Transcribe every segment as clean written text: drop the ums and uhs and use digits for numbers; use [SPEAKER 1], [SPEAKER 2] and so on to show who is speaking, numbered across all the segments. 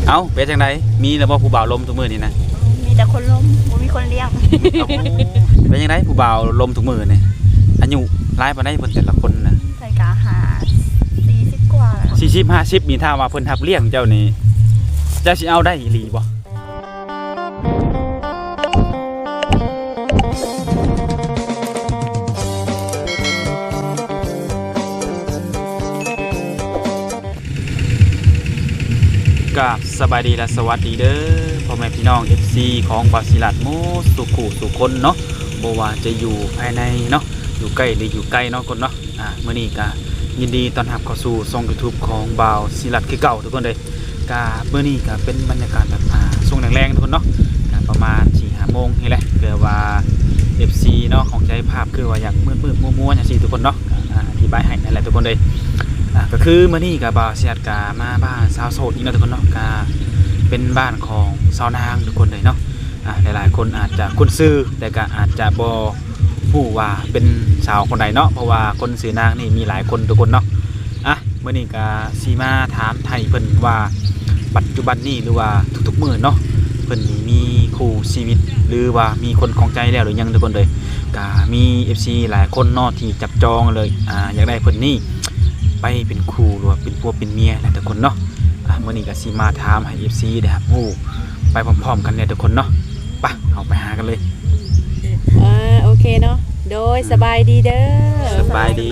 [SPEAKER 1] เอ้าเป็นจังไดมีแล้วบ่ผู้บ่าวลมทุกมื้อนี่นะ
[SPEAKER 2] มีแต่คนล้มบ่มีคนเลี้ยง
[SPEAKER 1] เป็นจังไดผู้บ่าวลมทุกมื้อนี่อายุหลายปานใดเพิ่นแต่ละคนน่ะ
[SPEAKER 2] ใส่กะหา40กว่า
[SPEAKER 1] 40 50นี่ถ้าว่าเพิ่นรับเลี้ยงเจ้านี่เจ้าสิเอาได้อีหลีบ่กับสบายดีและสวัสดีเด้อพ่อแม่พี่น้อง FC ของบาซิลัดโมสุขุสุคนเนาะบ่ว่าจะอยู่ภายในเนาะอยู่ใกล้หรืออยู่ไกลเนาะคนเนาะมื้อนี้ก็ยินดีต้อนรับเข้าสู่ช่อง YouTube ของบาวซิลัดคือเก่าทุกคนเลยก็มื้อนี้ก็เป็นบรรยากาศแบบช่วงแรงๆทุกคนเนาะก็ประมาณ 4-5 โมงนี่แหละเกิดว่า FC เนาะของใจภาพคือว่าอยากมืดๆมัวๆจังซี่ทุกคนเนาะอธิบายให้นั่นแหละทุกคนเลยก็คือมื้อนี้กับบาวซิลัดก็มาบ้านสาวโสดอีกแล้วทุกคนเนาะก็เป็นบ้านของสาวนางทุกคนเลยเนาะหลายๆคนอาจจะคุ้นชื่อแต่ก็อาจจะบ่ฮู้ว่าเป็นสาวคนใดเนาะเพราะว่าคนชื่อนางนี่มีหลายคนทุกคนเนาะมื้อนี้ก็สิมาถามไทยเพิ่นว่าปัจจุบันนี้หรือว่าทุกๆมื้อเนาะเพิ่นนี่มีคู่ชีวิตหรือว่ามีคนของใจแล้วหรือยังทุกคนเลยก็มี FC หลายคนเนาะที่จับจองเลยอยากได้เพิ่นนี่ไปเป็นคู่หรือว่าเป็นผัวเป็นเมียแหละทุกคนเนาะมื้อนี้ก็สิมาถามให้ FC ได้ครับฮู้ไปพร้อมๆกันเนี่ยทุกคนเนาะไปเอาไปหากันเลย
[SPEAKER 3] โอเคเนาะโดยสบายดีเด้อ
[SPEAKER 1] สบายดี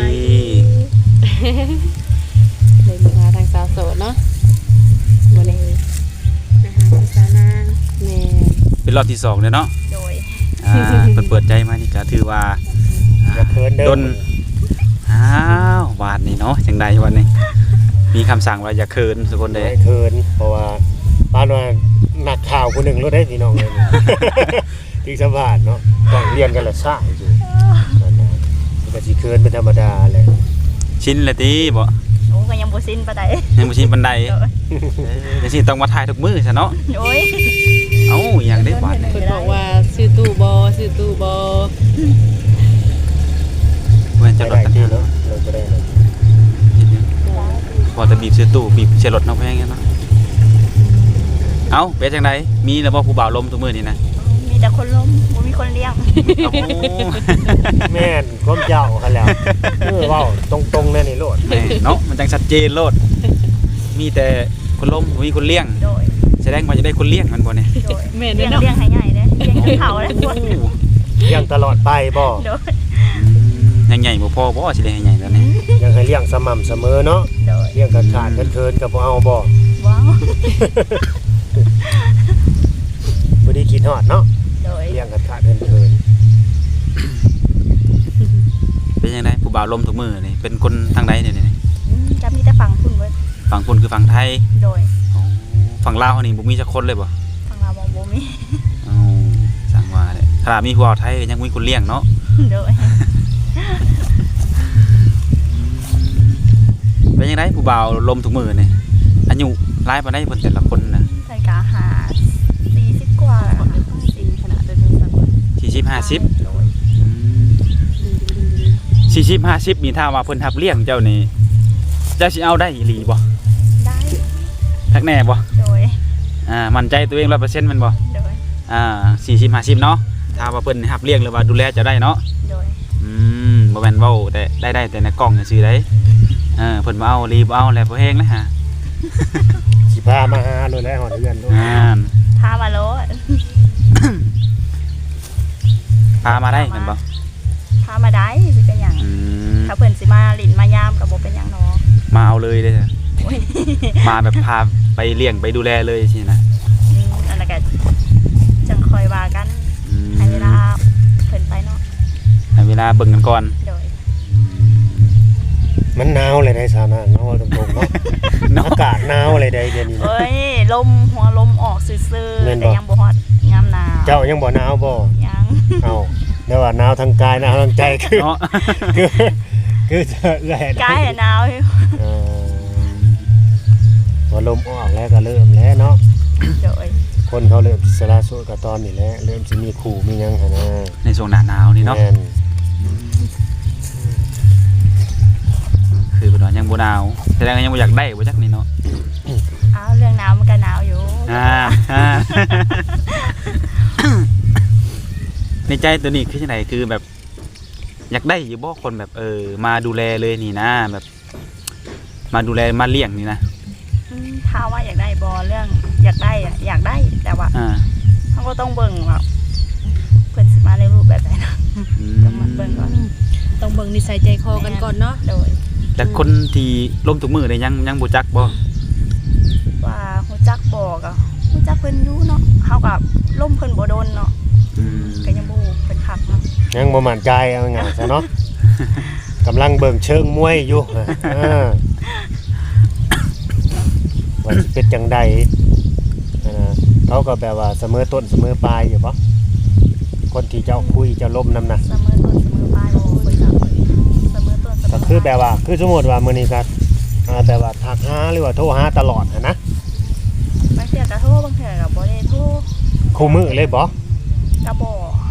[SPEAKER 3] เลยมาทางสาวโสดเนาะวันนี้สาวนางแม่
[SPEAKER 1] เป็นรอบที่2เลยเนาะ
[SPEAKER 2] โดย
[SPEAKER 1] เปิดใจมานี่ก็ถือว่าดนวาดนี่เนาะจังใดวันนี้มีคำสั่งว่าอย่าเคินทุกคนเลย
[SPEAKER 4] เคินเพราะว่าบ้านว่านักข่าวคนหนึ่งรู้ได้พี่น้องเลยที่สบายเนาะต้องเรียนกันละซ่าอยู่มันก็สิเคินเป็นธรรมดาแหละ
[SPEAKER 1] ชินเลยตีบ่
[SPEAKER 2] โอ้ก็ยังบ่ชินปานใด
[SPEAKER 1] ยังบ่ชินปานใดจังซี่ต้องมาถ่ายทุกมื้อซะเนาะ
[SPEAKER 2] โอ้ย
[SPEAKER 1] เอ้าอย่างได้วาดนี่
[SPEAKER 3] เพิ่นบอกว่าซื้อตู้บ่
[SPEAKER 1] เว้นจะรถกัน
[SPEAKER 4] เนาะเราจะได้
[SPEAKER 1] พอจะบีบซื้อตู้บีบเสียรถเนาะแพงเนาะเอ้าเป็นจังไดมีแล้วบ่ผู้บ่าวลมทุกมื้อนี่นะ
[SPEAKER 2] มีแต่คนล้มบ่มีคนเลี้ยง
[SPEAKER 4] แม่นก้มเจ้าคั่นแล้วเว้าตรงๆเลยนี่โลด
[SPEAKER 1] เนาะมันจังชัดเจนโลดมีแต่คนล้มบ่มีคนเลี้ยง
[SPEAKER 2] โดย
[SPEAKER 1] แสดงว่าจะได้คนเลี้ยงมันบ่เนี่ย
[SPEAKER 2] แม่นเนาะเลี้ยงให้ใหญ่เด้เลี้ยงให้เขาแล้วบ่
[SPEAKER 4] เลี้ยงตลอดไปบ่
[SPEAKER 2] โดย
[SPEAKER 1] ยังใหญ่บ่พอบ่สิได้ให้ใหญ่แล้วนี่
[SPEAKER 4] ยังให้เลี้ยงสม่ำเสมอเนาะเลี้ยงกันขาดกันเคินก็บ่เอาบ่
[SPEAKER 2] ว้าว
[SPEAKER 4] บ่ได้คิดฮอดเนาะเลี้ยงกันขาดกันเคิน
[SPEAKER 1] เป็นจังไดผู้บ่าวลมทุกมื้อนี่เป็นคนทางใดเนี่ยนี่
[SPEAKER 2] จะมีแต่ฝั่งพุ่นเบิด
[SPEAKER 1] ฝั่งพุ่นคือฝั่งไทย
[SPEAKER 2] โดย
[SPEAKER 1] ฝั่งลาวนี่บ่มีจักคนเลยบ่
[SPEAKER 2] ฝั่งลาวบ่มี
[SPEAKER 1] จังว่าแหละถ้ามีผู้บ่าวไทยยังมีคนเลี้ยงเนาะ
[SPEAKER 2] โดย
[SPEAKER 1] เป็นยังไงผู้บ่าวลมทุกมื้อนี่อายุหลายปานใดเพิ่นแต่ละคนน่ะ
[SPEAKER 2] ใส่กะหา40กว่า
[SPEAKER 3] จริงขนาดเดินทาง
[SPEAKER 1] 40 50 40 50นี่ถ้าว่าเพิ่นรับเลี้ยงเจ้านี่เจ้าสิเอาได้อีหลีบ่
[SPEAKER 2] ได้
[SPEAKER 1] ทักแน่บ่
[SPEAKER 2] โดย
[SPEAKER 1] มั่นใจตัวเอง 100% แม่นบ่
[SPEAKER 2] โดย
[SPEAKER 1] 40 50เนาะถ้าว่าเพิ่นรับเลี้ยงหรือว่าดูแลเจ้าได้เนาะ
[SPEAKER 2] โดย
[SPEAKER 1] บ่แม่นเว้าแต่ได้แต่ในกล้องซื่อๆได้เพิ่นบ่เอารีบเอาแล้วบ่แฮงนะฮะ
[SPEAKER 4] สิพามาหาเลยแล้วฮอดเรือนด้วย
[SPEAKER 2] พามาโล
[SPEAKER 1] พามาได้แม่นบ่
[SPEAKER 2] พามาได้สิเป็นหยังถ้าเพิ่นสิมาลิ้นมายามก็บ่เป็นหยังเนาะ
[SPEAKER 1] มาเอาเลยเด้อมาแบบพาไปเลี้ยงไปดูแลเลยสินะ
[SPEAKER 2] อันนั้นก็จังคอยว่ากันให้เวลาเพิ่นไปเนาะ
[SPEAKER 1] ให้เวลาเบิ่งกันก่อน
[SPEAKER 2] โดย
[SPEAKER 4] มันหนาวเลยในสานะเนาะตรงๆเนาะอากาศหนาวอะไรใดเดี๋ยวนี้
[SPEAKER 2] เอ้ยลมหัวลมออกซื่อๆแต่ยังบ่ฮอดยามหนาว
[SPEAKER 4] เจ้ายังบ่หนาวบ่
[SPEAKER 2] ยัง
[SPEAKER 4] เอ้าแล้วว่าหนาวทางกายหนาวทางใจคือจะแหละ
[SPEAKER 2] กายหนาว
[SPEAKER 4] พอลมออกแล้วก็เริ่มแล้วเนาะ
[SPEAKER 2] โดย
[SPEAKER 4] คนเขาเริ่มสละโสดกับตอนนี้แล้วเริ่มสิมีคู่มีหยังหั่นนะ
[SPEAKER 1] ในช่วงหน้าหนาวนี่เนาะคือเพิ่นว่ายังบ่หนาวแสดงว่ายังบ่อยากได้บ่จักนี่เนาะ
[SPEAKER 2] เรื่องหนาวมันก็หนาวอยู่
[SPEAKER 1] อ่า ในใจตัวนี้คือจังไดคือแบบ อยากได้อยู่บ่คนแบบมาดูแลเลยนี่นะแบบ มาดูแลมาเลี้ยงนี่นะ
[SPEAKER 2] ถ้าว่าอยากได้บอเรื่องอยากได้อะอยากได้แต่ว่า
[SPEAKER 1] อ่า
[SPEAKER 2] เขาก็ต้องเบิ่งว่าเพิ่นสิมาในรูปแบบไหนนะ
[SPEAKER 1] อืม
[SPEAKER 2] ต้องมาเบิ่งก่อน
[SPEAKER 3] ต้องเบิ่งนิสัยใจคอกันก่อนเนาะ
[SPEAKER 2] โดย
[SPEAKER 1] แต่คนที่ล้มทุกมือได้ยังบ่จักบ่
[SPEAKER 2] ว่าฮู้จักบอกอ่ะฮู้จักเพิ่นอยู่เนาะเฮากับล่มเพิ่นบ่โดนเนาะ
[SPEAKER 1] อืม
[SPEAKER 2] ก็ยังบ่ฮู้เพิ่นคักเนาะ
[SPEAKER 4] ยังบ่มั่นใจเอาง่ายๆซะเนาะ กำลังเบิ่งเชิงมวยอยู่ว่าสิเป็นจังใดเขาก็แบบว่าเสมอต้นเสมอปลายอยู่บ่คนที่เจ้าคุยเจ้าล้มนำน่ะ
[SPEAKER 2] เสมอต้นเสมอปลายบ่เพิ่นก็เสมอต้นเสมอป
[SPEAKER 4] ก็
[SPEAKER 2] ลาย
[SPEAKER 4] คือแบบว่าคือสมมุติว่ามื้อนี้ก็แบบว่าทักหาหรือว่าโทรหาตลอดนะ
[SPEAKER 2] บางเทื่อก็โทรบางเทื่อก็บ่ได้โทร
[SPEAKER 4] คู่มือเลยบ่
[SPEAKER 2] ก็บ่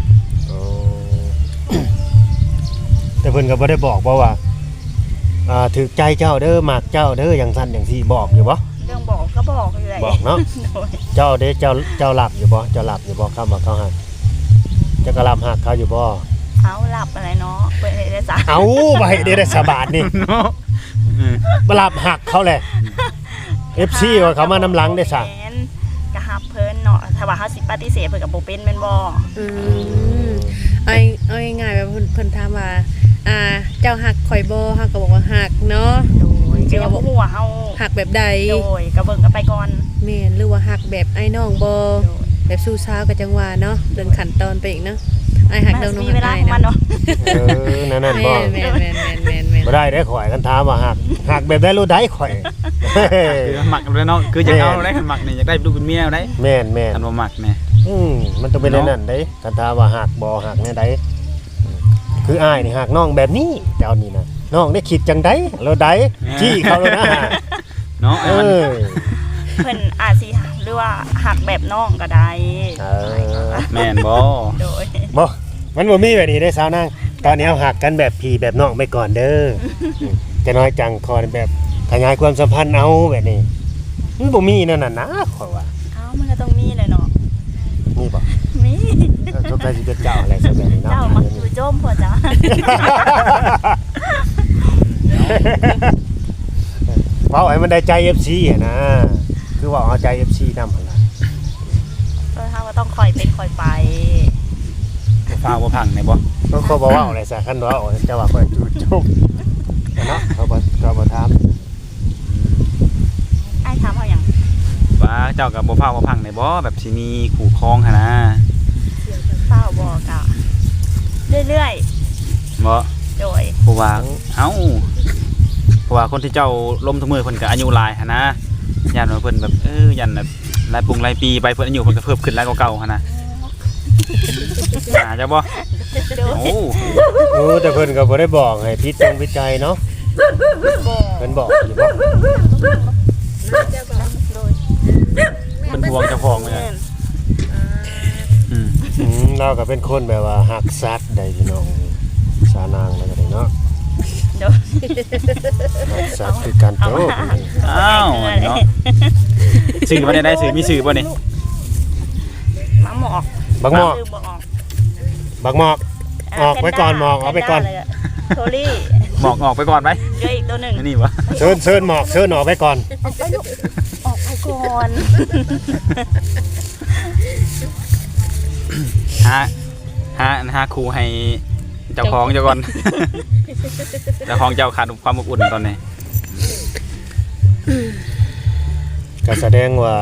[SPEAKER 4] แต่เพิ่นก็บ่ได้บอกว่าถูกใจเจ้าเด้อมักเจ้าเด้ออย่างซั่นอย่างซี่บอกอยู่บ่
[SPEAKER 2] เรื่องบอกก็บอกอยู่แหละ
[SPEAKER 4] บอกเนาะ
[SPEAKER 2] โดย
[SPEAKER 4] เจ้าเด้เจ้าหลับอยู่บ่เจ้าหลับอยู่บ่คำว่าเขาหักเจ้าก็หลับหักเขาอยู่บ่
[SPEAKER 2] เอาหลับอะไรเนาะเปิดได้จ้ะ
[SPEAKER 4] เอาบ่ให้ได้สบาดนี่
[SPEAKER 1] เนาะอืม
[SPEAKER 4] บ่หลับหักเขาแหละ FC ว่าเขามานำหลังได้ซะ
[SPEAKER 2] แม่นก็ฮับเพิ่นเนาะถ้าว่าเฮาสิปฏิเสธเพิ่นก็บ่เป็นแม่นบ่
[SPEAKER 3] อืมเอาง่ายๆแบบเพิ่นถามว่าเจ้าหักข่อยบ่เฮาก็บอกว่าหักเนาะ
[SPEAKER 2] โดยก็ยังบ่ฮู้ว่าเฮา
[SPEAKER 3] หักแบบใด
[SPEAKER 2] โดยก็เบิ่งกันไปก่อน
[SPEAKER 3] แม่นหรือว่าหักแบบไอ้น้องบ่
[SPEAKER 2] โดย
[SPEAKER 3] แบบสู้สาวก็จังว่าเนาะเรื่องขั้นตอนไปอีกเนาะไอ้หัก
[SPEAKER 2] มั
[SPEAKER 3] เรื่อง
[SPEAKER 2] น
[SPEAKER 3] น้อง
[SPEAKER 2] มีเวลา
[SPEAKER 3] ไอ้
[SPEAKER 2] ของมัน
[SPEAKER 3] เนาะ
[SPEAKER 2] เนาะ
[SPEAKER 4] นั่น
[SPEAKER 3] แม่
[SPEAKER 4] บ่
[SPEAKER 3] นแม่นแม่นแม่นแม่นแม่น
[SPEAKER 4] บ่ได้ข่อยกันถามว่าหักแบบได้รู้ได้ข่อย
[SPEAKER 1] คือหมักเลยเนาะคืออยากเอาได้หมักนี่อยากได้ลูกเป็นเมียได้
[SPEAKER 4] แม่น
[SPEAKER 1] อันบ่หมักแน่
[SPEAKER 4] มันต้องเป็นอันนั่นเด้กันถามว่าหักบ่หักแน่ใดคืออ้ายนี่หักน้องแบบนี้เจ้านี่นะน้องได้คิดจังไดแล้วใดจี้เขาแล้วนะ
[SPEAKER 1] เนาะ
[SPEAKER 4] เออ
[SPEAKER 2] เพิ่นอาจสิหรือว่าหักแบบน้องก็ได้
[SPEAKER 1] แม่นบ่
[SPEAKER 2] โดย
[SPEAKER 4] บ่มันบ่มีแบบนี้ได้สาวนางตอนนี้เอาหักกันแบบพี่แบบน้องไปก่อนเด้อจะน้อยจังคอแบบขยายความสัมพันธ์เอาแบบนี้มันบ่มีนั่นน่ะนะขอยว่า
[SPEAKER 2] เอ้ามันก็ต้องมีเลยเนาะ
[SPEAKER 4] มีบ่
[SPEAKER 2] มี
[SPEAKER 4] ทุกใครสิเป็นเจ้าอะไรซะแบบนี้เนาะ
[SPEAKER 2] เจ้ามักอยู่โจมพ่อจ้า
[SPEAKER 4] เว้าให้มันได้ใจ FC อ่ะนะคือว่าเอาใจ FC นำหั่นล่ะ
[SPEAKER 2] เฮาก็ต้องคอยเป็นคอยไป
[SPEAKER 1] บ่ฟ้าวบ่พังแน่บ่
[SPEAKER 4] ก็เขาบอกว่าอะไรซะคันว่าจะว่าค่อยจูจบเนาะเขาบ่ถาม
[SPEAKER 2] ไอ้ถามเฮาหยัง
[SPEAKER 1] ว่าเจ้ากับบ่ฟ้าวบ่พังแน่บ่แบบสิมีคู่ครองหั่นนะ
[SPEAKER 2] เฝ้าบอกอ่ะเรื่อย
[SPEAKER 1] บ่
[SPEAKER 2] ๆโดย
[SPEAKER 1] เพราะว่าเพราะว่าคนที่เจ้าล้มทุกมือเพิ่นก็อายุหลายหั่นนะย่านว่าเพิ่นแบบยันแบบหลายหลายปีไปเพิ่นอายุเพิ่นก็เพิ่มขึ้นหลายกว่าเก่าหั่นนะเจ้าบ่
[SPEAKER 2] โดย
[SPEAKER 1] โอ้
[SPEAKER 4] แต่เพิ่นก็บ่ได้บอกให้พิจงวิจัยเนาะ
[SPEAKER 2] บอก
[SPEAKER 4] เพิ่นบอกอยู่บ่
[SPEAKER 2] โดย
[SPEAKER 1] เพิ่นห่วงเจ้าของเลย
[SPEAKER 2] แม่น
[SPEAKER 1] อืม
[SPEAKER 4] เราก็เป็นคนแบบว่าฮักสัตว์ได้พี่น้องสานางแล้วก็ได้เนาะ
[SPEAKER 2] โดย
[SPEAKER 4] ฮักสัตว์คือการโต
[SPEAKER 1] อ้าวเนาะสื่อบ่ได้สื่อมีสื่อบ่นี่
[SPEAKER 2] มาหมอก
[SPEAKER 4] บักหมอก
[SPEAKER 2] คือบ่ออก
[SPEAKER 4] บักหมอกออกไว้ก่อนหมอกเอาไปก่อน
[SPEAKER 2] โทลี่
[SPEAKER 1] หมอกออกไปก่อนไหม
[SPEAKER 2] เหลืออีกตัวหนึ่ง
[SPEAKER 1] อันนี้วะ
[SPEAKER 4] เชิญหมอกเชิญออกไว้ก่อน
[SPEAKER 2] ออกไปลูกออกไปก่อน
[SPEAKER 1] หาครูให้เจ้าของเจ้าก่อน เจ้าของเจ้าขาดความอบอุ่นตอนนี้
[SPEAKER 4] ก็แสดงว่า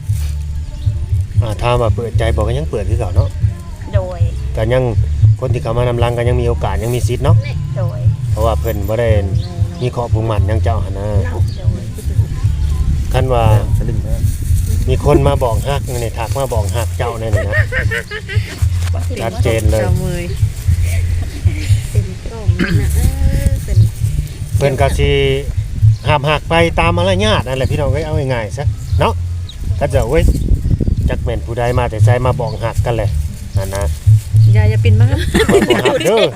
[SPEAKER 4] ถ้ามาเปิดใจบอกก็ยังเปิดคือเก่าเนาะ
[SPEAKER 2] โดย
[SPEAKER 4] ก็ยังคนที่เขามานำรังก็ยังมีโอกาสยังมีสิทธิ์เนาะ
[SPEAKER 2] โดย
[SPEAKER 4] เพราะว่าเพิ่นบ่ได้มีข้อผูกมัดหยังเจ้าหั่นนะ
[SPEAKER 2] โดย
[SPEAKER 4] คันว่ามีคนมาบอกฮักนี่ทักมาบอกฮักเจ้าแน่นี่นะชัดเจนเลย
[SPEAKER 3] เจ้ามือเป็นกล่องนั่นน่ะเป็น
[SPEAKER 4] เพิ่นก็สิห้ามหักไปตามมารยาทนั่นแหละพี่น้องเอ้ยเอาง่ายๆซะเนาะก็จะเว้ยจักแม่นผู้ใดมาแต่ไสมาบอกฮักกันเลยนั่นนะ
[SPEAKER 3] อย่าปินมาก
[SPEAKER 4] บ่ฮักเด้อ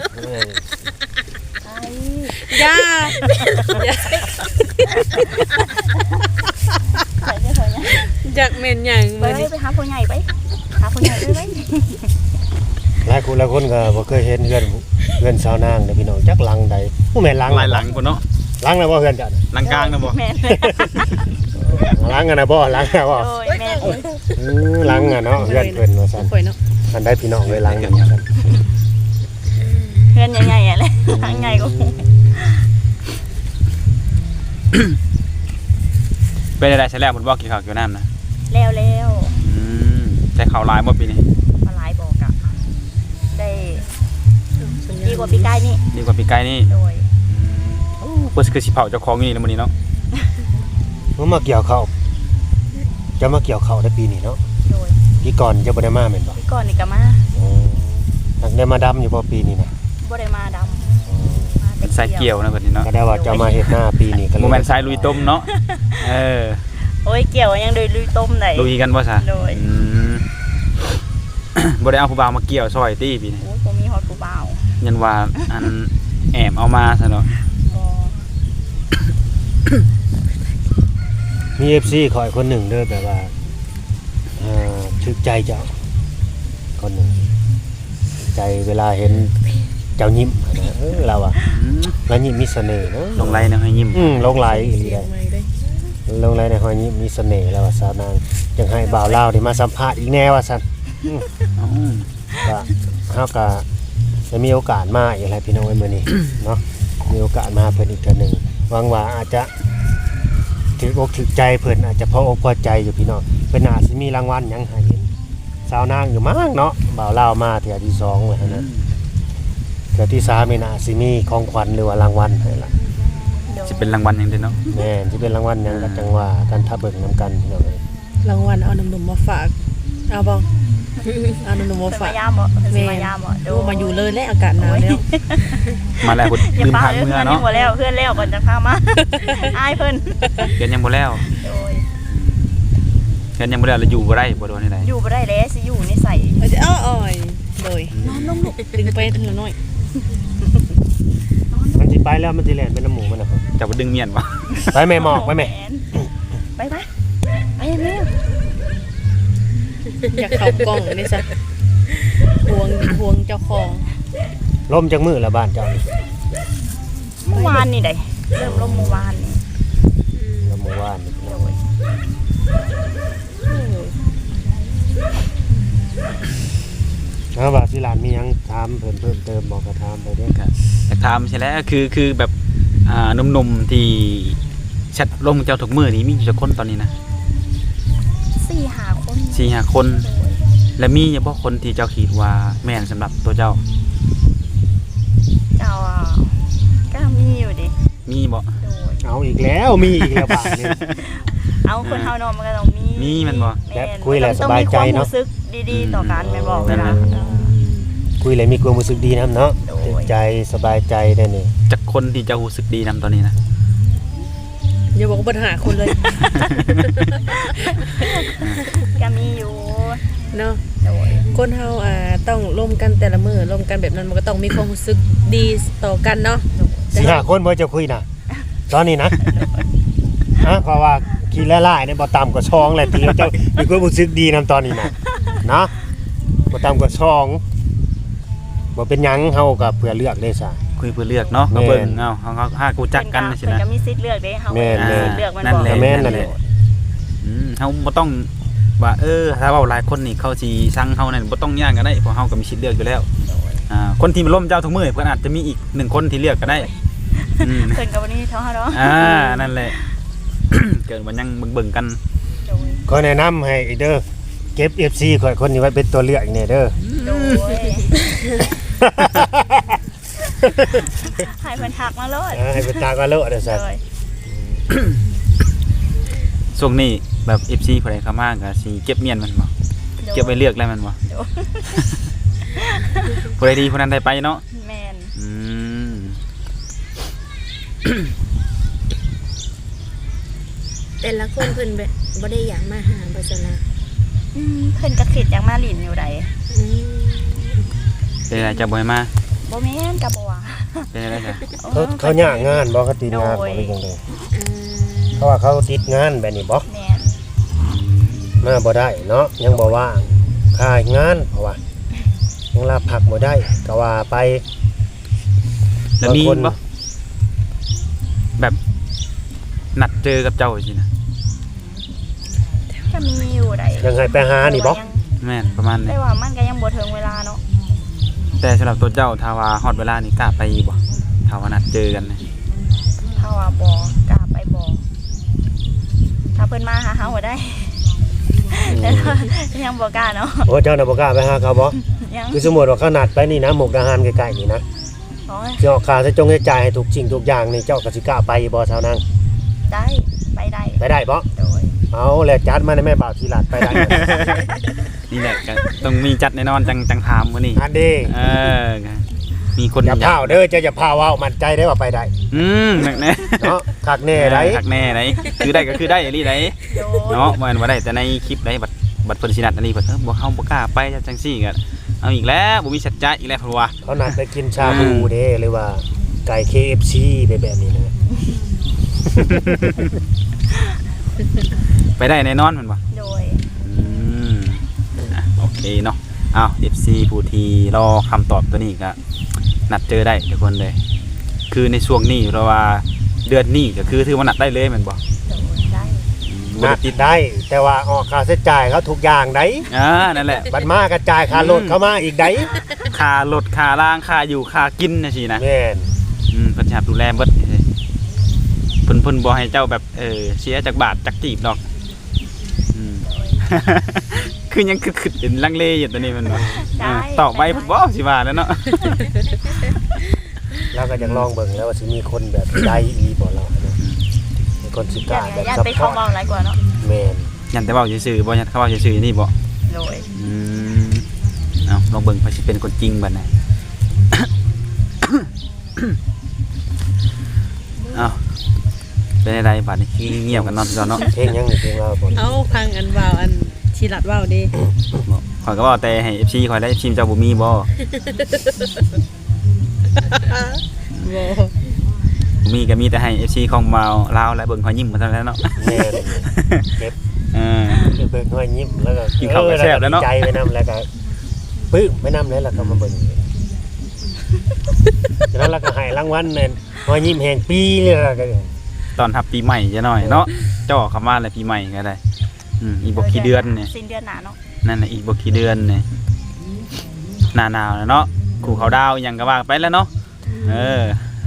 [SPEAKER 3] อย่า
[SPEAKER 2] ใส่ได้ไหม
[SPEAKER 3] จักแม่นหยัง
[SPEAKER 2] ไป
[SPEAKER 3] มื้อนี้
[SPEAKER 2] ไปหาพ่อใหญ่ไปหาพ่อใหญ่ไป
[SPEAKER 4] หลายคนก็บ่เคยเห็นเฮือนสาวนางเด้อพี่น้องจักหลังใดผู้แม่นหลัง
[SPEAKER 1] หลายหลังพุ่นเนาะ
[SPEAKER 4] หลังน่ะบ่เฮือนจ้ะ
[SPEAKER 1] หลังกลางนะบ่
[SPEAKER 2] แม่น
[SPEAKER 4] หลังอะนะบ่หลังอะบ่
[SPEAKER 2] โอ้ยแม่น
[SPEAKER 4] หลังอะเนาะเฮือนเพิ่นว่าซั่น
[SPEAKER 3] ข่อยเนาะ
[SPEAKER 4] อันได้พี่น้องเลยหลังกันครับ
[SPEAKER 2] เพื่อนใหญ่ๆอ่ะเลยทางใหญ่ก็
[SPEAKER 1] เป็นอะไรใช่แล้วพุ่นบ่กินข้าวเกี่ยวน้ำนะ
[SPEAKER 2] แล้ว
[SPEAKER 1] อืมใช้ข้าวหลายบ่ปีนี้
[SPEAKER 2] มาหลายบอกอะได้ดีกว่าปีกายนี่
[SPEAKER 1] ดีกว่าปีไก่นี่
[SPEAKER 2] โดย
[SPEAKER 1] โอ้เพิ่นคือสิเผาเจ้าของอยู่นี่นะมื้อนี้เนาะ
[SPEAKER 4] มันมาเกี่ยวข้าวจะมาเกี่ยวข้าวได้ปีนี้เนาะ
[SPEAKER 2] โดย
[SPEAKER 4] ปีก่อนจะบ่ได้มาแม่นบ่
[SPEAKER 2] ปีก่อนนี่ก็มา
[SPEAKER 4] นักได้มาดำอยู่บ่ปีนี้นะ
[SPEAKER 2] บ่ได้มาดำมาแต่
[SPEAKER 1] ใส่เกี่ยวนะเพิ่นนี่เนาะ
[SPEAKER 4] ก็ได้ว่าจะมาเฮ็ดหน้าปีนี้ก็เลย
[SPEAKER 1] บ่แม่นสายลุยต้มเนาะเออ
[SPEAKER 2] โอ้ยเกี่ยวยังโดยลุยต้มได้
[SPEAKER 1] ลุยกันบ่ซะ
[SPEAKER 2] โดย
[SPEAKER 1] อืม บ่ได้เอาผู้บ่าวมาเกี่ยวซอยตี้ปีนี้
[SPEAKER 2] โอ้ยบ่มีฮอดผู้บ่าว
[SPEAKER 1] ยันว่าอันแอบเอามาซะเนาะ
[SPEAKER 2] บ่
[SPEAKER 4] มี FC ขอยคนหนึ่งเด้อแบบว่าถึกใจเจ้าคนหนึ่งใจเวลาเห็นเจ้ายิ้มนะเราอะ
[SPEAKER 1] อืม
[SPEAKER 4] แล้วยิ้มมีเสน่ห์เนาะ
[SPEAKER 1] ลงไหลนะให้ยิ้ม
[SPEAKER 4] ลงไหลอีหลีได้
[SPEAKER 3] ไม่ได้
[SPEAKER 4] ลงไหลในหอยยิ้มมีเสน่ห์แล้วว่าสาวนางจังให้บ่าวลาวได้มาสัมภาษณ์อีกแน่ว่าซั่น
[SPEAKER 1] อ๋อ
[SPEAKER 4] ก็เฮาก็จะมีโอกาสมาอีกแล้วพี่น้องเอ้ยมื้อนี้ เนาะมีโอกาสมาเพิ่นอีกเทื่อหนึงหวังว่าอาจจะถืออกถือใจเพิ่นอาจจะพออกพอใจอยู่พี่น้องเพิ่นอาจสิมีรางวัลหยังให้เห็นสาวนางอยู่มั้งเนาะบ่าวลาวมาเทื่อที่2แล้วนะเทื่อที่3นี่น่าสิมีของขวัญหรือว่ารางวัลให้ล่ะ
[SPEAKER 2] โดย
[SPEAKER 1] สิเป็นรางวัลหยังเด้อเนาะ
[SPEAKER 4] แม่นสิเป็นรางวัลหยังก็จังว่ากันถ้าเบิ่งนํกันพี่น้องเอ้ย
[SPEAKER 3] รางวัลเอาหนุ่มๆมาฝากเอาบ่เอาหนุ่มๆมา
[SPEAKER 2] เพิ่น
[SPEAKER 3] ฝาม
[SPEAKER 2] าก ยามบ่เพิ่นสิมายามบ่
[SPEAKER 3] ดูมาอยู่เลยและอากาศหนาวแล้ว
[SPEAKER 1] มาแล้วพุ่น
[SPEAKER 2] อย่า
[SPEAKER 1] ลืม
[SPEAKER 2] ป้า
[SPEAKER 1] ทาง
[SPEAKER 2] เด้อ
[SPEAKER 1] เมื่อ
[SPEAKER 2] เพื่อนยัง
[SPEAKER 1] เนาะ
[SPEAKER 2] บ่แล้วเพื่อนแล้วก่อนจะพามา อายเพิ่น
[SPEAKER 1] เกินยังบ่แล้ว
[SPEAKER 2] โดย
[SPEAKER 1] เกินยังบ่แล้วแล้วอยู่บ่ได้บ่โดนที่ใด
[SPEAKER 2] อยู่บ่ได้แล้วสิอยู่ในใส่
[SPEAKER 3] เอาจะอ้อยโดยนอนลงลูกดึงไปทีละน้อย
[SPEAKER 4] มันสิไปแล้วมันสิแล่นเป็นน้ำหมูมันนะครับ
[SPEAKER 1] จะบ่ดึงเมียนบ่
[SPEAKER 4] ไปแม่หมอกไปแม่
[SPEAKER 2] ไปไปเร็ว
[SPEAKER 3] อยากเข้ากล้องนี่ซะห่วงเจ้าของ
[SPEAKER 4] ล่มจังมือละบ้านเจ้านี่
[SPEAKER 2] เมื่อวานนี่ได้เริ่มลมเมื่อวานนี่
[SPEAKER 4] ละเมื่อวานนี่
[SPEAKER 2] โดย
[SPEAKER 4] ว่าสิหลานมีหยังถามเพิ่มเติมบอกก็ถามไปเด้อ
[SPEAKER 1] ครับแต่ถามใช่แล้วคือแบบหนุ่มๆที่แชทลงเจ้าทุกมื้อนี้มีอยู่จักคนตอนนี้นะ
[SPEAKER 2] 4-5 คน
[SPEAKER 1] 4-5 คน
[SPEAKER 2] โดย
[SPEAKER 1] และมีเฉพาะคนที่เจ้าคิดว่าแม่นสำหรับตัวเจ้า
[SPEAKER 2] เจ้าก็มีอยู่ดิ
[SPEAKER 1] มีบ่
[SPEAKER 2] โดย
[SPEAKER 4] เอาอีกแล้วมีอีกแล้วบาทนี่
[SPEAKER 2] เอาคนเฮาเนาะมันก็ต้องมี
[SPEAKER 1] มีมันบ่
[SPEAKER 2] แม่น
[SPEAKER 4] แบบคุยแล้วสบายใจเนาะ
[SPEAKER 2] ต้องมีความรู้สึกดีๆต่อกันแม่นบอกเวลา
[SPEAKER 4] คุยเลยมีความรู้สึกดีนํเนาะ
[SPEAKER 2] โดย
[SPEAKER 4] ตื่นใจสบายใจได้นี่
[SPEAKER 1] จักคนที่เจ้ารู้สึกดีนํตอนนี้นะ
[SPEAKER 3] อย่าบอกว่าปัญหาคนเลย
[SPEAKER 2] ก็มีอยู่
[SPEAKER 3] เนาะ
[SPEAKER 2] โดย
[SPEAKER 3] คนเฮาต้องร่วมกันแต่ละมื้อร่วมกันแบบนั้นมันก็ต้องมีความรู้สึกดีต่อกันเนาะ
[SPEAKER 4] สี่ห้าคนบ่จะคุยนะตอนนี้นะเพราะว่าขี้ละลายเนี่ยบ่ต่ำกว่าช่องแหละตีเจ้ามีความรู้สึกดีนํตอนนี้นะนะบ่ต่ำกว่าช่องบ่เป็นหยังเฮาก็เพื่อเลือกได้ซะ
[SPEAKER 1] คุยเพื่อเลือกเนาะ
[SPEAKER 4] แม่น
[SPEAKER 1] มาเบิ่งเอ้าเฮาหากูจักกันสิ
[SPEAKER 2] เพิ่น
[SPEAKER 1] นะ
[SPEAKER 2] ก็มีสิทธิ์เลือกเด้เฮา
[SPEAKER 4] แม่น
[SPEAKER 2] มีสิทธิ์เลือกมัน
[SPEAKER 1] นั่น
[SPEAKER 2] บอก
[SPEAKER 1] แหละ
[SPEAKER 4] แม่นนั่นแหละ
[SPEAKER 1] เฮาบ่ต้องว่าถ้าเว้าหลายคนนี่เขาสิสั่งเฮานั่นบ่ต้องย่างกันได้เพราะเฮาก็มีสิทธิ์เลือกอยู่แล้วคนที่มาล้มเจ้าทุกมื้อเพิ่นอาจจะมีอีก1คนที่เลือกก็ได้อืม
[SPEAKER 2] เพิ่นก็บ่ได้เท่าเฮาเนาะ
[SPEAKER 1] นั่นแหละ เกิดมันยังเบิ่งๆกัน
[SPEAKER 2] โดย
[SPEAKER 4] ก็แนะนำให้เด้อเก็บ FC ข่อยคนนี้ไว้เป็นตัวเลือกเนี่ยเด้อ
[SPEAKER 2] โดยให้เพิ่นทักมาเลย
[SPEAKER 4] ให้เป็นตาก็เลอะเด้อซั่น
[SPEAKER 2] โดย
[SPEAKER 1] ช่วงนี้แบบ FC ผู้ใดเข้ามาก็สิเก็บเมียนมันบ่เก็บไว้เลือกแล้วมันบ่
[SPEAKER 2] โดย
[SPEAKER 1] ผู้ใดดีผู้นั้นได้ไปเนาะ
[SPEAKER 2] แม่น
[SPEAKER 1] อืม
[SPEAKER 5] แต่ละคนเพิ่นแบบบ่ได้อยากมาหาบ่ซั่นนะ
[SPEAKER 2] เพิ่นก็คิดอยากมาหลินอยู่ใด
[SPEAKER 5] อืม
[SPEAKER 1] เป็นอะไรจะบ่ให้มา
[SPEAKER 2] บ่แม่นก็บ่ว่า
[SPEAKER 1] เป็นอะไรจ้ะ
[SPEAKER 4] เขาย่างงานบ่เขาติดงานบ่หรือจังได๋
[SPEAKER 5] อ่า
[SPEAKER 4] เขาว่าเขาติดงานแบบนี้บ่
[SPEAKER 2] แม่น
[SPEAKER 4] มาบ่ได้เนาะยังบ่ว่างค่างานเพราะว่ายังลาพักบ่ได้ก็ว่าไป
[SPEAKER 1] แล้วมี
[SPEAKER 4] บางคน
[SPEAKER 1] บ่แบบนัดเจอกับเจ้าสินะ
[SPEAKER 2] ก็มีอยู่ได้
[SPEAKER 4] ยังให้ไปหานี่บ่
[SPEAKER 1] แม่นประมาณนี้
[SPEAKER 2] ได้ว่ามันก็ยังบ่ถึงเวลาเนาะ
[SPEAKER 1] แต่สำหรับตัวเจ้าถ้าว่าฮอดเวลานี่กล้าไปบ่ถ้าว่านัดเจอกันนะ
[SPEAKER 2] ถ้าว่าบ่กล้าไปบ่ถ้าเพิ่นมาหาเฮาบ่ได้แต่ยังบ่กล้าเนาะ
[SPEAKER 4] โอ้เจ้าน่ะบ่กล้าไปหาเขาบ่
[SPEAKER 2] ยัง
[SPEAKER 4] คือสมมุติว่าเขานัดไปนี่นะมุกดาหารใกล้ๆนี่นะ
[SPEAKER 2] โอ้ย
[SPEAKER 4] สิออกค่าใช้จงให้จ่ายให้ทุกสิ่งทุกอย่างนี่เจ้าก็สิกล้าไปบ่ชาวนาง
[SPEAKER 2] ได้ไปได้
[SPEAKER 4] ไปได้บ่
[SPEAKER 2] โดย
[SPEAKER 4] เอาแล้วจัดมาในแม่บ่าวทีหลัดไปได้
[SPEAKER 1] นี่แหละก็ต้องมีจัดแน่นอนจังถามมื้อนี้
[SPEAKER 4] อันนี้
[SPEAKER 1] เออมีคน
[SPEAKER 4] อย่าพาวเด้อเจ้าอย่าพาวเว้ามั่นใจได้ว่าไปได้
[SPEAKER 1] หนักแน่
[SPEAKER 4] เนาะคักแน่ได้
[SPEAKER 1] หักแน่ไหนคือได้ก็คือได้อีหลีได
[SPEAKER 2] โดย
[SPEAKER 1] เนาะบ่แม่นว่าได้แต่ในคลิปได้บัดเพิ่นสินัดอันนี้เพิ่นบ่เฮาบ่กล้าไปจังซี่ก็เอาอีกแล้วบ่มีสัจจะอีกแล้วเพิ่นว่า
[SPEAKER 4] เขานัดไปกินชาบูเด้หรือว่าไก่ KFC ไปแบบนี้นะ
[SPEAKER 1] ไปได้แน่นอนเพิ่นว่า
[SPEAKER 2] โดย
[SPEAKER 1] โอเคเนาะอ้าว FC ผู้ที่รอคำตอบตัวนี้ก็นัดเจอได้ทุกคนเลยคือในช่วงนี้เพราะว่าเดือนนี้ก็คือถือว่านัดได้เลยแม่นบ่
[SPEAKER 2] โดยได้
[SPEAKER 1] บ่
[SPEAKER 4] นั
[SPEAKER 1] ได้
[SPEAKER 4] ด
[SPEAKER 1] ติด
[SPEAKER 4] ได้ แต่ว่าออกค่าใช้จ่ายเขาทุกอย่างได้
[SPEAKER 1] นั่นแหละ
[SPEAKER 4] บัดมากระจายค่ารถเข้ามาอีกได้
[SPEAKER 1] ค่ารถค่าล่างค่าอยู่ค่ากินจังซี่นะ
[SPEAKER 4] แม่น
[SPEAKER 1] เพิ่นสิรับดูแลเบิดเพิ่นบ่ให้เจ้าแบบเสียจักบาทจักจีบดอกคือยังคือเป็นลังเลอยู่ตอนนี้มันบ่ตอบไปบ่สิว่าแล้วเนาะ
[SPEAKER 4] แล้วก็ยังลองเบิ่งแล้วว่าสิมีคนแบบได้อีบ่เราเนาะมีคนสิกล้าแบบ
[SPEAKER 2] อย่า
[SPEAKER 4] ซัพ
[SPEAKER 2] ไป
[SPEAKER 4] พอ
[SPEAKER 2] เข้า
[SPEAKER 4] ร์ต
[SPEAKER 2] เมาหลายกว่าเนาะ
[SPEAKER 4] แม่น
[SPEAKER 1] ยันแต่เว้าซื่อๆบ่ยันเขาเว้าซื่อๆนี่บ่
[SPEAKER 2] โดย
[SPEAKER 1] เอาลองเบิ่งว่าสิเป็นคนจริงบัดไหน เอาเป็นอะไรบัดนี้ขี้เงียบกันนอนก่อนเนาะ
[SPEAKER 4] เพลงยังนี่เพลงเราบ่
[SPEAKER 3] เอาพังอันว่าวอันชีรัดว่าวดิ
[SPEAKER 1] ข่อยก็บอกแต่ให้ FC ข่อยได้ FC เจ้าบ่มีบ่
[SPEAKER 3] บ่
[SPEAKER 1] มีก็มีแต่ให้ FC ของมาลาวและเบิ่งข่อยยิ้มมาเท่านั้นเนาะ
[SPEAKER 4] แม่นเก็บ
[SPEAKER 1] เออ
[SPEAKER 4] เบิ่งห้อยยิ้มแล้วก็
[SPEAKER 1] กินข้าวกับแซ่บแล้วเนาะ
[SPEAKER 4] ดีใจไปนำแล้วก็ปึ้มไปนำแล้วก็มาเบิ่งฉะนั้นเราก็ให้รางวัลนั่นห้อยยิ้มแห่งปีเลยล่ะก็
[SPEAKER 1] ตอนรับปีใหม่จะหน่อยเนาะเจ้าออกคำว่าอะไรปีใหม่ก็ได้อีกบ่กี่เดือนเนี่ย
[SPEAKER 2] สิ้นเดือนหน้าเนาะ
[SPEAKER 1] นั่นน่ะอีกบ่กี่เดือนเนี่ยหน้าหนาวแล้วเนาะขู่เขาดาวหยังก็ว่าไปแล้วเนาะเออ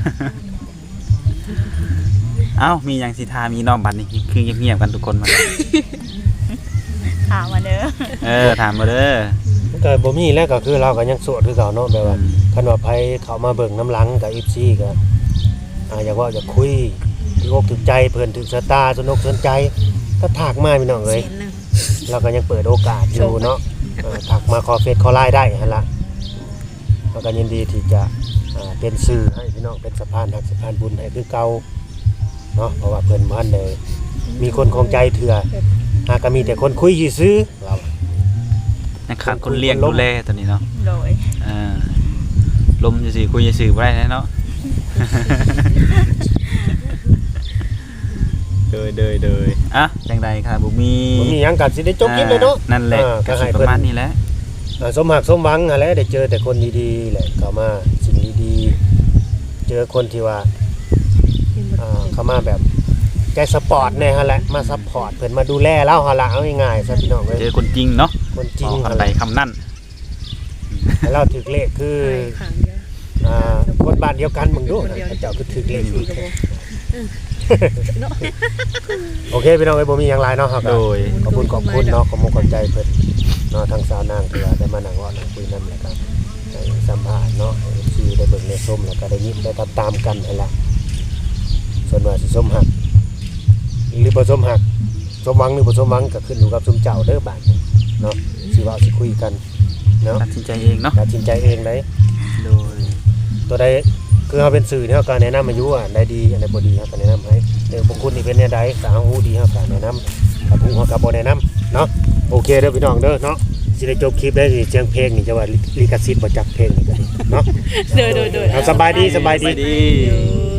[SPEAKER 1] เอ้ามีหยังสิทามีน้องบัดนี้คือเงียบๆกันทุกคนมา
[SPEAKER 2] ถามมาเด้อ
[SPEAKER 1] ถามมาเด้อ
[SPEAKER 4] ก็บ่มีแล้วก็คือเราก็ยังโสดคือเก่าเนาะแบบว่าคันว่าไผเขามาเบิ่งน้ำหลังกับ FC ก็อยากว่าอยากคุยถึกอกถึกใจเพิ่นถึกสตาสนุกสนใจก็ทักมาพี่น้องเอ้ย
[SPEAKER 5] เสียนหนึง
[SPEAKER 4] เราก็ยังเปิดโอกาสอยู่เนาะทักมาขอเฟซขอไลน์ได้หั่นล่ะเราก็ยินดีที่จะเป็นสื่อให้พี่น้องเป็นสะพานหักสะพานบุญให้คือเก่าเนาะเพราะว่าเพิ่นบ่ทันได้มีคนคงใจเถื่อหากก็มีแต่คนคุยซื่อๆเรา
[SPEAKER 1] นะครับคนเลี้ยงดูแลตัวนี้เนาะ
[SPEAKER 2] โดย
[SPEAKER 1] ลมจะสิคุยจะสื่อบ่ได้เนาะ เดยอ่ะจังใดค่ะบ่มี
[SPEAKER 4] บ่มีหยังก็สิได้จบคลิปเลยเนาะ
[SPEAKER 1] นั่นแหละ
[SPEAKER 4] ก็
[SPEAKER 1] ก็
[SPEAKER 4] ให้
[SPEAKER 1] สิป
[SPEAKER 4] เพิ่น
[SPEAKER 1] ระมาณนี้แหละ
[SPEAKER 4] สมหักสมหวังอะไรได้เจอแต่คนดีๆแหละเข้ามาสิ่งดีๆเจอคนที่ว่าเข้ามาแบบใจสปอร์ตแน่ฮะแหละมาซัพพอร์ตเพิ่นมาดูแลเราฮะละเอาง่ายๆซะพี่น้องเอ้ย
[SPEAKER 1] เจอคนจริงเนาะ
[SPEAKER 4] คนจริง
[SPEAKER 1] คำ
[SPEAKER 4] ฮะ
[SPEAKER 1] ใด
[SPEAKER 4] แหละ
[SPEAKER 1] คำนั่น
[SPEAKER 4] ให้เราถึกเลขคือ
[SPEAKER 3] ขังเยอะ
[SPEAKER 4] คนบ้านเดียวกันมึงดูเจ้าคือถึกเลข
[SPEAKER 3] สีกระบอกเนาะ
[SPEAKER 4] โอเคพี่น้องเอ้ยบ่มีหยังหลายเนาะครับ
[SPEAKER 1] โดย
[SPEAKER 4] ขอบคุณเนาะขอบคุณขอบใจเพิ่นเนาะทางสาวนางที่ว่าได้มานั่งเว้านั่งคุยนำแล้วก็ได้สัมภาษณ์เนาะที่ได้เบิ่งได้ชมแล้วก็ได้ยิ้มได้ตามๆกันนั่นล่ะส่วนว่าสิสมหักหรือบ่สมหักสมหวังหรือบ่สมหวังก็ขึ้นอยู่กับซุมเจ้าเด้อบาดนี้เนาะสิเว้าสิคุยกันเนาะ
[SPEAKER 1] ตัดสินใจเองเนาะ
[SPEAKER 4] ตัดสินใจเองได้
[SPEAKER 1] โดย
[SPEAKER 4] ตัวใดคือเฮาเป็นสื่อเนี่ยเฮาก็แนะนำอายุอันใดดีอันใดบ่ดีเฮาก็แนะนำให้บุคคลนี่เป็นแนวใดก็เฮาฮู้ดีเฮาก็แนะนำถ้าผู้เฮาก็บ่แนะนำเนาะโอเคเด้อพี่น้องเด้อเนาะสิได้จบคลิปได้สิเสียงเพลงนี่จะว่าลิขสิทธิ์บ่จักเพลงนี่ก็ดีเนาะ
[SPEAKER 3] เด้อ
[SPEAKER 4] เอาสบายดี
[SPEAKER 1] ไปดี
[SPEAKER 3] ๆ